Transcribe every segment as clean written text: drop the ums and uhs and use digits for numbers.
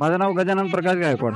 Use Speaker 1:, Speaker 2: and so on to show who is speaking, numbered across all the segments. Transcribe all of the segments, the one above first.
Speaker 1: माझं नाव गजानन प्रकाश गायकवाड.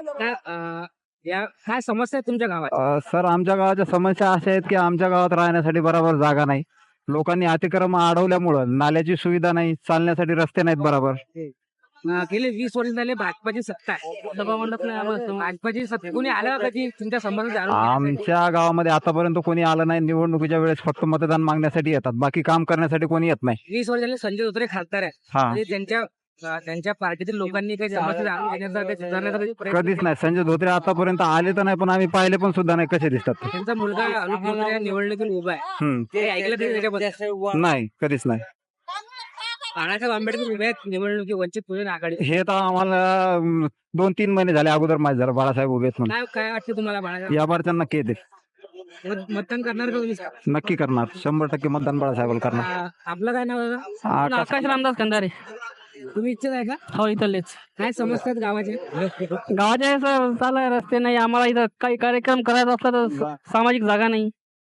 Speaker 2: काय समस्या आहे तुमच्या गावात?
Speaker 1: सर, आमच्या गावाच्या समस्या अशा आहेत की आमच्या गावात राहण्यासाठी बरोबर जागा नाही. लोकांनी अतिक्रमण अडवल्यामुळं नाल्याची सुविधा नाही, चालण्यासाठी रस्ते नाहीत बरोबर.
Speaker 2: गेले 20 वर्ष झाले भाजपाची सत्ता आहे. सभा मंडप नाही आम्हाला. भाजपाची सत्ता कोणी आलं का कधी तुमच्या संबंध जाणून घेण्यासाठी?
Speaker 1: आमच्या गावामध्ये आतापर्यंत कोणी आलं नाही. निवडणुकीच्या वेळेस फक्त मतदान मागण्यासाठी येतात, बाकी काम करण्यासाठी कोणी येत नाही.
Speaker 2: 20 वर्ष झाले संजय धोत्रे खासदार आहे.
Speaker 1: हा,
Speaker 2: म्हणजे त्यांच्या पार्टीतील लोकांनी काही समस्या जाणून घेण्याचा काही सुधारण्याचा कधी प्रयत्न
Speaker 1: कधीच नाही. संजय धोत्रे आतापर्यंत आले तर नाही, पण आम्ही पाहिले पण सुद्धा नाही कसे दिसतात ते.
Speaker 2: त्यांचा मुलगा अनुप धोत्रे या निवडणुकीत उभा आहे. ते ऐकलं तरी त्याच्याबद्दल?
Speaker 1: नाही, कधीच नाही.
Speaker 2: बाळासाहेब आंबेडकर उभे आहेत निवडणुकी वंचित बहुजन आघाडी.
Speaker 1: हे तर आम्हाला 2-3 महिने झाले अगोदर माहिती झालं बाळासाहेब उभे आहेत म्हणून.
Speaker 2: काय वाटतं तुम्हाला बाळासाहेब?
Speaker 1: या बार त्यांना नक्की येते,
Speaker 2: मतदान करणार का तुम्ही?
Speaker 1: नक्की करणार. 100% मतदान बाळासाहेबाला करणार.
Speaker 2: आपलं काय नाव आहे?
Speaker 1: आकाश
Speaker 2: रामदास कंधारे. तुम्ही इच्छित आहे का? हो, इथलेच. काय समस्या आहेत गावाचे चालू रस्ते नाही. आम्हाला इथं काही कार्यक्रम करायचा असला तर सामाजिक जागा नाही.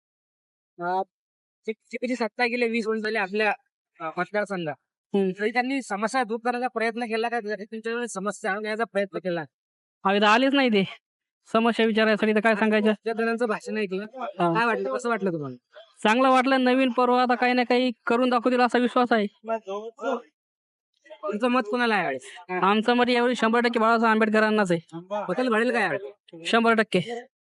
Speaker 2: जी सत्ता गेले 20 वर्ष झाले आपल्या मतदारसंघात, तरी त्यांनी समस्या दूर करण्याचा प्रयत्न केला का? तुमच्याकडे समस्या आणण्याचा प्रयत्न केला? इथं आलेच नाही. ते समस्या विचारायसाठी तर काय सांगायचं. जणांचं भाषण ऐकलं, काय वाटलं? कसं वाटलं तुम्हाला? चांगलं वाटलं. नवीन पर्व आता काही ना काही करून दाखवतील असा विश्वास आहे. तुमचं मत कोणाला आहे? आमचं मत यावेळी 100% बाळासाहेब आंबेडकरांनाच आहे. बदल घडेल काय? 100%.